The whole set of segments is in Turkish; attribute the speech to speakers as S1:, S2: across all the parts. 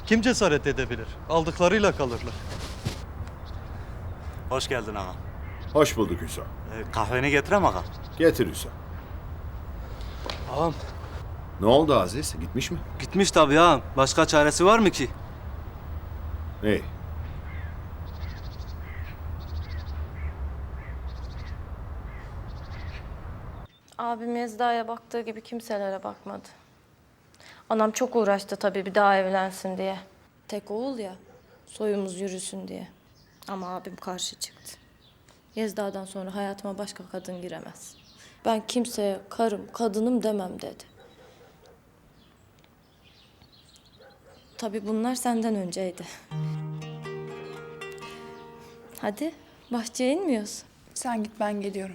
S1: Kim cesaret edebilir? Aldıklarıyla kalırlar.
S2: Hoş geldin ağam.
S3: Hoş bulduk Hüso.
S2: Kahveni getirem ağam.
S3: Getir Hüso.
S4: Ağam
S3: Ne oldu Aziz? Gitmiş mi?
S4: gitmiş tabii ağam. Başka çaresi var mı ki?
S3: İyi.
S5: Abim Yezda'ya baktığı gibi kimselere bakmadı. Anam çok uğraştı tabii bir daha evlensin diye. Tek oğul ya, soyumuz yürüsün diye. Ama abim karşı çıktı. Yezda'dan sonra hayatıma başka kadın giremez. Ben kimseye karım, kadınım demem dedi. Tabii bunlar senden önceydi. Hadi bahçeye inmiyoruz.
S6: Sen git, ben geliyorum.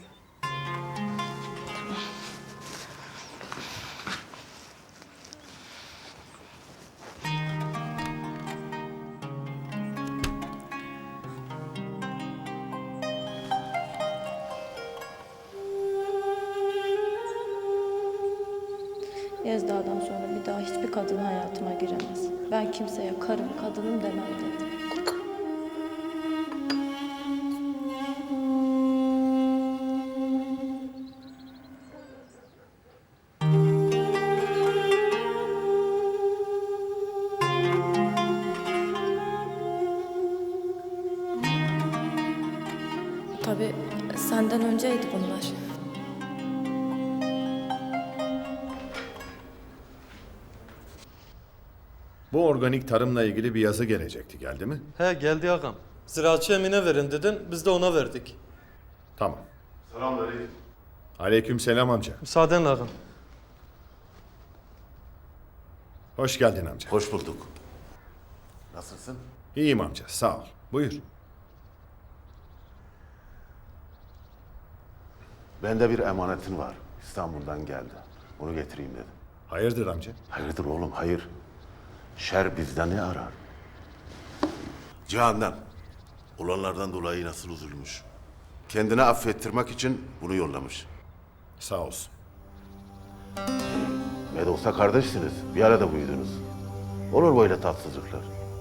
S5: Yezda'dan sonra bir daha hiçbir kadın hayatıma giremez. Ben kimseye karım, kadınım demem dedi. Tabii senden önceydi bunlar.
S3: Bu organik tarımla ilgili bir yazı gelecekti. Geldi mi?
S1: He geldi ağam. Ziraatçı Emine verin dedin, biz de ona verdik.
S3: Tamam. Selamünaleyküm. Aleykümselam amca.
S1: Müsaadenle ağam.
S3: Hoş geldin amca.
S7: Hoş bulduk. Nasılsın?
S3: İyiyim amca. Sağ ol. Buyur.
S7: Bende bir emanetin var. İstanbul'dan geldi. Bunu getireyim dedim.
S3: Hayırdır amca?
S7: Hayırdır oğlum, hayır. Şer bizden ne arar? Cihan'dan. Olanlardan dolayı nasıl üzülmüş. Kendini affettirmek için bunu yollamış.
S3: Sağ olsun.
S7: Ne de olsa kardeşsiniz. Bir arada büyüdünüz. Olur böyle tatsızlıklar.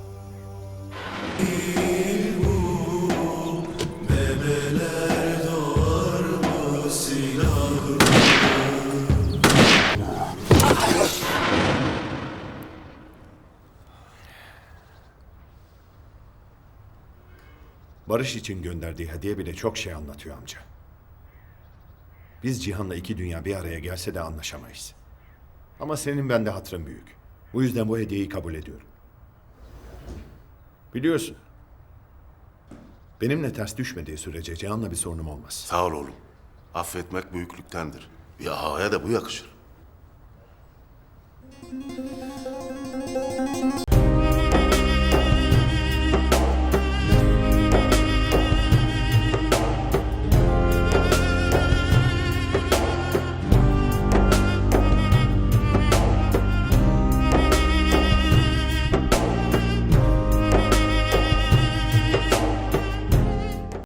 S3: Barış için gönderdiği hediye bile çok şey anlatıyor amca. Biz Cihan'la iki dünya bir araya gelse de anlaşamayız. Ama senin bende hatırın büyük. Bu yüzden bu hediyeyi kabul ediyorum. Biliyorsun. Benimle ters düşmediği sürece Cihan'la bir sorunum olmaz.
S7: Sağ ol oğlum. Affetmek büyüklüktendir. Bir ağaya da bu yakışır.